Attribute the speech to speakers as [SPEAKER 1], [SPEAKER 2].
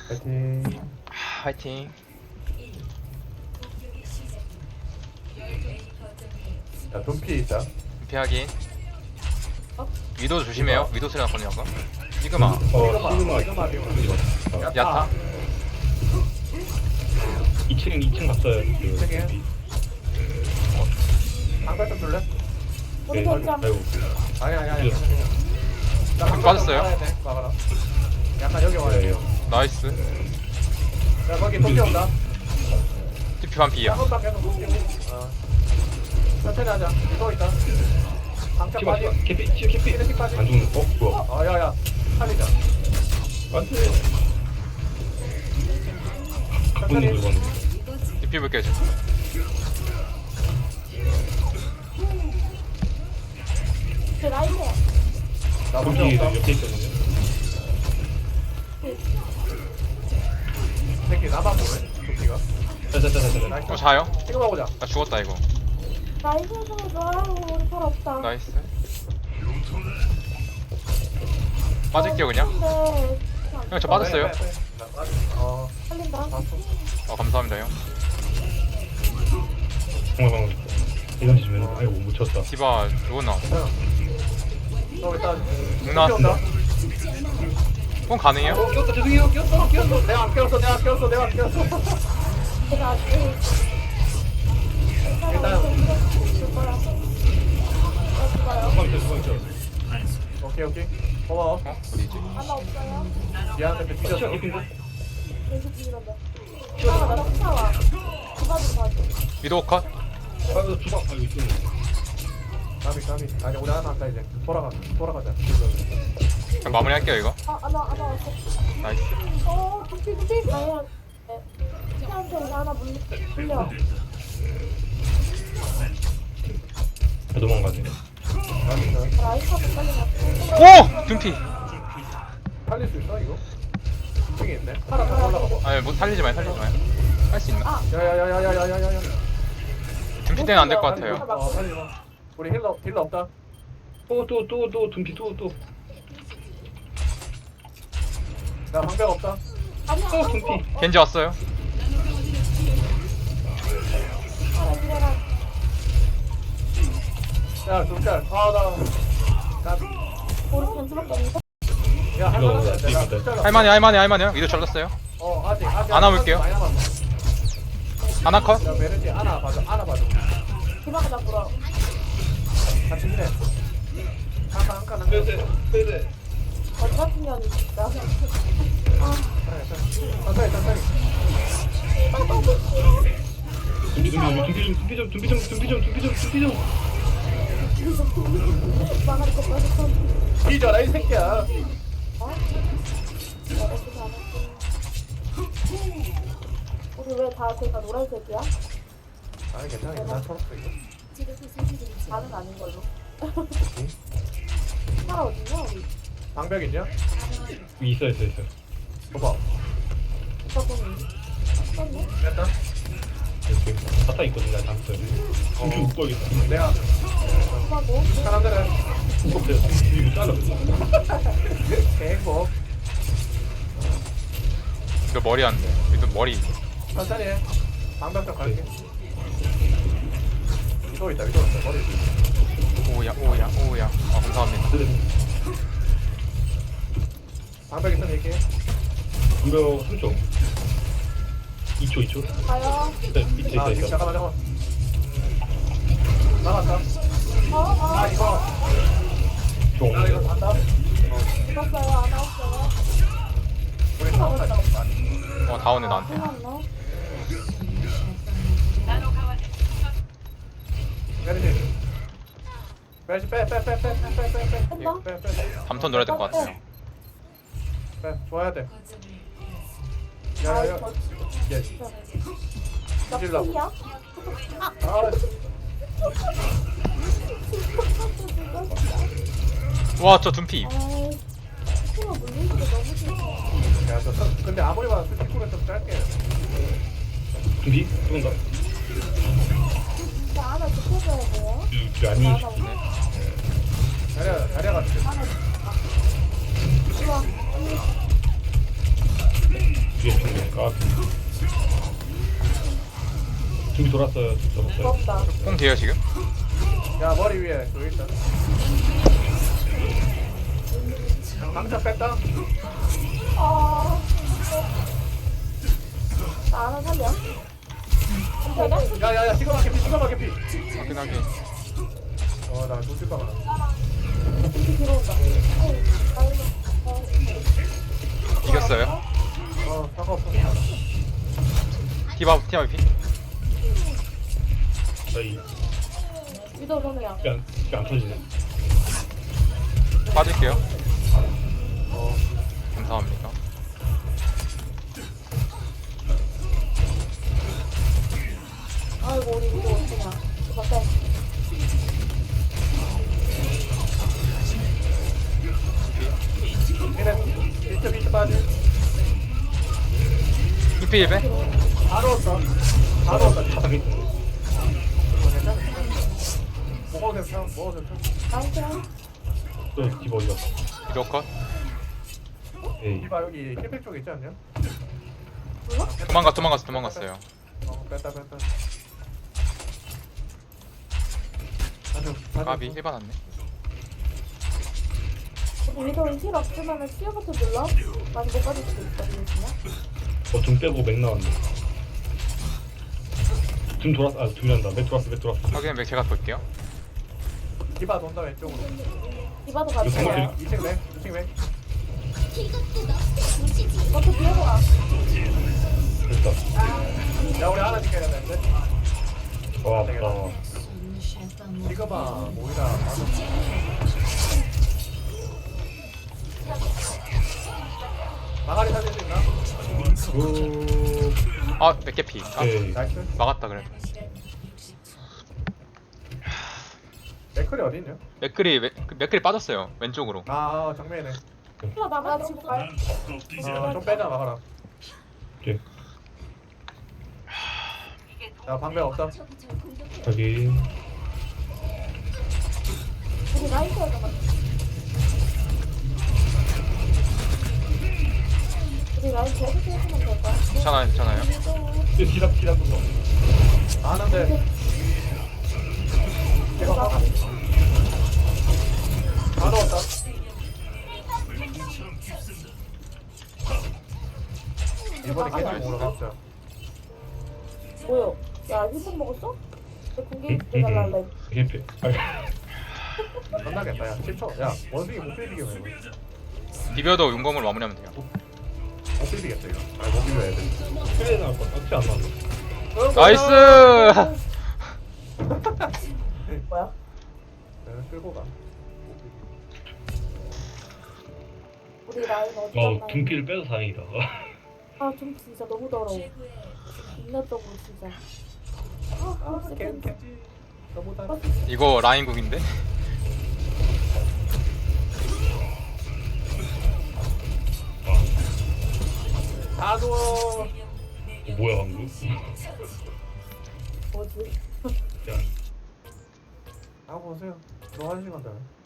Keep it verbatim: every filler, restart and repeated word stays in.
[SPEAKER 1] 파이팅.
[SPEAKER 2] 화이팅.
[SPEAKER 1] 야, 돈피 있다.
[SPEAKER 2] 피하기. 위도 조심해요. 위도 소리 났거든요 아까. 시그마.
[SPEAKER 3] 어, 시그마
[SPEAKER 1] 시그마 비용.
[SPEAKER 2] 야타.
[SPEAKER 3] 이 층 이 층 갔어요. 그,
[SPEAKER 1] 세개. 방발 좀 줄래?
[SPEAKER 3] 네, 아이고, 아이고.
[SPEAKER 1] 아니 아니 아니. 나 방발 좀
[SPEAKER 2] 빠졌어요?
[SPEAKER 1] 막아야 돼. 막아라. 약간 여기 와야
[SPEAKER 3] 네,
[SPEAKER 1] 돼요.
[SPEAKER 2] 나이스.
[SPEAKER 1] 야 거기 돈피 온다.
[SPEAKER 2] 티피 반피야.
[SPEAKER 1] 한번만 계속 볼게. 어. 천천히 하자. 이거 있다. 방차
[SPEAKER 3] 시바
[SPEAKER 1] 빠지.
[SPEAKER 3] 시바 캐피 시바 캐피
[SPEAKER 1] 피니시 빠지.
[SPEAKER 3] 안 죽는 어 뭐야?
[SPEAKER 1] 어 야야. 살리자.
[SPEAKER 3] 안돼. 갖고
[SPEAKER 1] 천천히.
[SPEAKER 3] 있는 물건.
[SPEAKER 2] 티피 볼게요 지금.
[SPEAKER 4] 그 라인이야.
[SPEAKER 1] 나 혼자
[SPEAKER 3] 여기
[SPEAKER 1] 없다.
[SPEAKER 3] 옆에 있거든요.
[SPEAKER 1] 새끼 나만 보네. 도피가.
[SPEAKER 3] 자자자자자.
[SPEAKER 1] 나이스.
[SPEAKER 2] 또 자요?
[SPEAKER 1] 이거 먹어보자.
[SPEAKER 2] 나 죽었다 이거.
[SPEAKER 4] 라인에서 좋아요. 우리 팔 없다.
[SPEAKER 2] 나이스. 빠질게요 그냥.
[SPEAKER 4] 근데
[SPEAKER 2] 형 저 빠졌어요.
[SPEAKER 1] 네, 네, 네. 나 빠져. 어.
[SPEAKER 4] 살린다.
[SPEAKER 1] 봤어.
[SPEAKER 2] 어 감사합니다 형.
[SPEAKER 3] 정말 방금 이런 짓이면 아이고 못 쳤다.
[SPEAKER 2] 디바 누군 나왔어?
[SPEAKER 1] 괜찮아. 너 일단
[SPEAKER 2] 응, 나왔어.
[SPEAKER 1] 온다.
[SPEAKER 2] 폰 가능해요?
[SPEAKER 1] 어, 꼈어. 죄송해요. 꼈어. 꼈어. 내가 안 꼈어. 내가 안 꼈어. 내가 안 꼈어.
[SPEAKER 4] 제가 아직
[SPEAKER 1] 일단
[SPEAKER 4] 줄 거야. 어, 좋아요.
[SPEAKER 3] 수방 있어 수방 있어.
[SPEAKER 1] 오케이 오케이. 고마워.
[SPEAKER 2] 어? 어디지?
[SPEAKER 4] 하나 없어요.
[SPEAKER 1] 미안한데 뒤졌어.
[SPEAKER 3] 시바 캐피인데?
[SPEAKER 4] 계속 이런데. 하나가 나 쫓아와. 그거 좀 봐줘.
[SPEAKER 2] 위도 컷?
[SPEAKER 3] 아 주방 아 이거 좀.
[SPEAKER 1] 까비 까비. 아니 우리 하나 한다 이제. 돌아가. 돌아가자.
[SPEAKER 2] 그냥 마무리할게요 이거.
[SPEAKER 4] 아, 하나, 하나 왔어.
[SPEAKER 2] 나이스.
[SPEAKER 4] 어, 두피, 두피. 아니야. 네. 시간대 이거 하나 물려. 물려.
[SPEAKER 3] 아, 도망가네.
[SPEAKER 1] 까비.
[SPEAKER 4] 라인 카드 빨리 나.
[SPEAKER 2] 오! 둠피!
[SPEAKER 1] 살릴 수 있어 이거? 중에 있네. 하나 더 올라가봐.
[SPEAKER 2] 아니 뭐 살리지 마요 살리지 마요. 할 수 있나?
[SPEAKER 1] 야야야야야야야야야.
[SPEAKER 2] 둠피 때는 안 될 것 같아요.
[SPEAKER 1] 어 빨리 와. 우리 힐러 힐러 없다.
[SPEAKER 3] 또또또또 둠피 또또
[SPEAKER 1] 나 방벽 없다.
[SPEAKER 4] 아니야.
[SPEAKER 3] 또 둠피.
[SPEAKER 2] 겐지 왔어요.
[SPEAKER 4] 하나 지내라.
[SPEAKER 1] 야 둘짤. 아나. 까비.
[SPEAKER 4] 우리 변수밖에 없는데?
[SPEAKER 1] 야
[SPEAKER 3] 이거
[SPEAKER 1] 할만한데
[SPEAKER 3] 이거
[SPEAKER 1] 내가
[SPEAKER 3] 이거.
[SPEAKER 1] 진짜로.
[SPEAKER 2] 할만해 할만해 할만해요. 위도 잘랐어요.
[SPEAKER 1] 어 아직 아직.
[SPEAKER 2] 안아 볼게요.
[SPEAKER 1] 많이 남았어.
[SPEAKER 2] 하나 컷?
[SPEAKER 1] 야 메르지 안아 봐줘. 안아 봐줘.
[SPEAKER 4] 기박을 잡으러.
[SPEAKER 1] 같이 힐해. 한칸 한칸 한
[SPEAKER 3] 빼세
[SPEAKER 1] 칸.
[SPEAKER 3] 빼세.
[SPEAKER 4] 어디 같은 년이 진짜. 아,
[SPEAKER 1] 천천히 천천히.
[SPEAKER 3] 둠피 둠피 둠피 좀 둠피 좀 둠피 좀 둠피 좀 둠피 좀.
[SPEAKER 4] 망할 거 빠졌어.
[SPEAKER 1] 뒤져라 이 새끼야.
[SPEAKER 4] 어? 잘했지, 잘했지. 우리 왜 다 제가 노란색이야?
[SPEAKER 1] 아니 괜찮아 괜찮아. 초록색 이거.
[SPEAKER 4] 나는 아닌 걸로. 사라 어디냐 우리?
[SPEAKER 1] 방벽 있냐?
[SPEAKER 3] 있어 있어 있어.
[SPEAKER 1] 봐봐.
[SPEAKER 4] 오빠 보니? 썼네?
[SPEAKER 1] 됐다.
[SPEAKER 3] 이렇게 바타 있거든 나 다음 주에. 둠피 못 걸겠다.
[SPEAKER 1] 내가
[SPEAKER 4] 오빠고?
[SPEAKER 1] 사람들은
[SPEAKER 3] 무겁대요. 이거 잘라.
[SPEAKER 1] 개행복.
[SPEAKER 2] 위도 머리 안 돼. 위도 머리.
[SPEAKER 1] 천천히 해. 방벽 좀 갈게. 위도 있다 위도 있다 머리.
[SPEAKER 2] 오야 오야 오야. 아 감사합니다.
[SPEAKER 1] 방벽 있으면 얘기해.
[SPEAKER 3] 덤벼 삼 초. 이 초 이 초.
[SPEAKER 4] 가요.
[SPEAKER 3] 네, 밑에
[SPEAKER 1] 아
[SPEAKER 3] 있다
[SPEAKER 1] 지금
[SPEAKER 3] 있다.
[SPEAKER 1] 잠깐만 잠깐만. 나갔다.
[SPEAKER 4] 어, 어.
[SPEAKER 1] 아 이거.
[SPEAKER 3] 종.
[SPEAKER 1] 나 이거 간다.
[SPEAKER 4] 죽었어요. 안 나왔어요.
[SPEAKER 1] 우리 다음날 잡았다.
[SPEAKER 2] 어 다운해 나한테.
[SPEAKER 4] 끝났네.
[SPEAKER 1] 메르시. 메르시 빼빼빼빼빼빼빼빼빼빼.
[SPEAKER 2] 담턴 놀아야 될 것 같아요.
[SPEAKER 1] 빼 줘야 돼.
[SPEAKER 4] 아,
[SPEAKER 1] 야야야.
[SPEAKER 4] 이거
[SPEAKER 1] 예.
[SPEAKER 4] 나
[SPEAKER 1] 찔러.
[SPEAKER 4] 핑이야?
[SPEAKER 1] 아.
[SPEAKER 2] 와 저 둠피.
[SPEAKER 4] 아이, 스키가 물리는 게 너무 싫어.
[SPEAKER 1] 야, 저 선- 근데 아무리 봐도 스티커는 좀 짧게.
[SPEAKER 3] 둠피 쏜다.
[SPEAKER 4] 나 하나 지켜줘야 돼요.
[SPEAKER 3] 그 아니.
[SPEAKER 4] 나 하나 오늘.
[SPEAKER 1] 자리야, 자리야 같은.
[SPEAKER 4] 하나. 아. 우와, 언니.
[SPEAKER 3] 아 준비 돌았어요. 준비 돌았어요.
[SPEAKER 4] 부럽다.
[SPEAKER 2] 뽕 돼요 지금?
[SPEAKER 1] 야 머리 위에 여기 있다. 강차 뺐다.
[SPEAKER 4] 아. 나 하나 살려. 괜찮아?
[SPEAKER 1] 야야야 시그마 개피 시그마 개피.
[SPEAKER 2] 확인 확인.
[SPEAKER 1] 어나 놓칠까 봐.
[SPEAKER 4] 이렇게 들어온다. 아유, 아유, 아유.
[SPEAKER 2] 이겼어요.
[SPEAKER 1] 어 상관없어.
[SPEAKER 2] 디바 디바 피.
[SPEAKER 3] 저희
[SPEAKER 4] 위도 정이야.
[SPEAKER 3] 이게 안, 이게 안 터지네.
[SPEAKER 2] 빠질게요.
[SPEAKER 1] 어
[SPEAKER 2] 감사합니다.
[SPEAKER 4] 아이고 우리 위도 어떡하냐. 맞다.
[SPEAKER 1] 얘네 비트 비트 빠지.
[SPEAKER 2] 이피 일 배.
[SPEAKER 1] 바로 왔어. 바로 왔다.
[SPEAKER 3] 바닥에
[SPEAKER 1] 먹어도 괜찮아. 먹어도 괜찮아.
[SPEAKER 4] 나이스.
[SPEAKER 3] 또 디바 어디 갔어?
[SPEAKER 2] 위도 컷.
[SPEAKER 3] 에이
[SPEAKER 1] 이봐 여기 힐팩 쪽에 있지 않냐?
[SPEAKER 2] 도망가 도망갔어 도망갔어요.
[SPEAKER 1] 어 뺐다 뺐다. 아주 아주
[SPEAKER 2] 까비 일 받았네.
[SPEAKER 4] 우리 위도 힐 없으면은 치유 버튼 눌러. 많이 못 빠질 수도 있거든요.
[SPEAKER 3] 어둠 빼고 맥 나왔네. 둠 돌았어. 아 둠이란다. 맥 돌았어. 맥 돌았어.
[SPEAKER 2] 확인 맥 제가 볼게요.
[SPEAKER 1] 디바 돈다 왼쪽으로.
[SPEAKER 4] 디바도
[SPEAKER 3] 이거
[SPEAKER 4] 같이
[SPEAKER 3] 생각해.
[SPEAKER 4] 가요.
[SPEAKER 1] 이 층 내, 이 층 내.
[SPEAKER 4] 버튼 뒤에서 와.
[SPEAKER 3] 됐다.
[SPEAKER 1] 야 우리 하나 지켜야 되는데.
[SPEAKER 3] 와 아프다.
[SPEAKER 1] 이거 봐 모이라. 맞아. 마가리 살릴 수 있나?
[SPEAKER 3] 오.
[SPEAKER 2] 아 맥개 피. 아
[SPEAKER 3] 오케이.
[SPEAKER 1] 나이스.
[SPEAKER 2] 막았다 그래.
[SPEAKER 1] 맥클이 어디 있냐?
[SPEAKER 2] 맥클이 맥- 맥클이 빠졌어요 왼쪽으로.
[SPEAKER 1] 아 정면이네.
[SPEAKER 4] 힐러 나만 지금 가요.
[SPEAKER 1] 어좀 빼자 마가라.
[SPEAKER 3] 오케이.
[SPEAKER 1] 야 방벽 없다.
[SPEAKER 3] 여기.
[SPEAKER 4] 우리 라이트가 좀 우리 라이트 어떻게 해주면 될까?
[SPEAKER 2] 괜찮아요 괜찮아요.
[SPEAKER 3] 이거 디다 디다 떴어.
[SPEAKER 1] 아는데. 이거 봐. 다 넣었다. 이번에 계속 먹으러 갑시다.
[SPEAKER 4] 뭐요? 야 힐팩 먹었어? 내 공개 해달라 할래.
[SPEAKER 3] 이게
[SPEAKER 1] 끝나겠다 야 십 초. 야 원숭이 못 비비게 왜 이거.
[SPEAKER 2] 비벼도 용검으로 마무리하면 돼요.
[SPEAKER 1] 못 비비겠다 이거. 아못 비벼야 돼.
[SPEAKER 3] 트레이 나올 거. 어떻게 안 나왔어?
[SPEAKER 2] 나이스.
[SPEAKER 4] 뭐야?
[SPEAKER 1] 내가 끌고 가.
[SPEAKER 4] 우리 라인 어디
[SPEAKER 3] 어
[SPEAKER 4] 갔나?
[SPEAKER 3] 둠피를 빼서 다행이다.
[SPEAKER 4] 아좀 진짜 너무 더러워. 인간적으로 진짜. 아, 아, 진짜
[SPEAKER 1] 개
[SPEAKER 4] 팬-
[SPEAKER 1] 개지. 너보다.
[SPEAKER 2] 이거 라인국인데?
[SPEAKER 1] 다 누워.
[SPEAKER 3] 어, 뭐야 방금?
[SPEAKER 4] 뭐지?
[SPEAKER 3] 그냥
[SPEAKER 1] 하고 오세요. 너 한 시간 전에.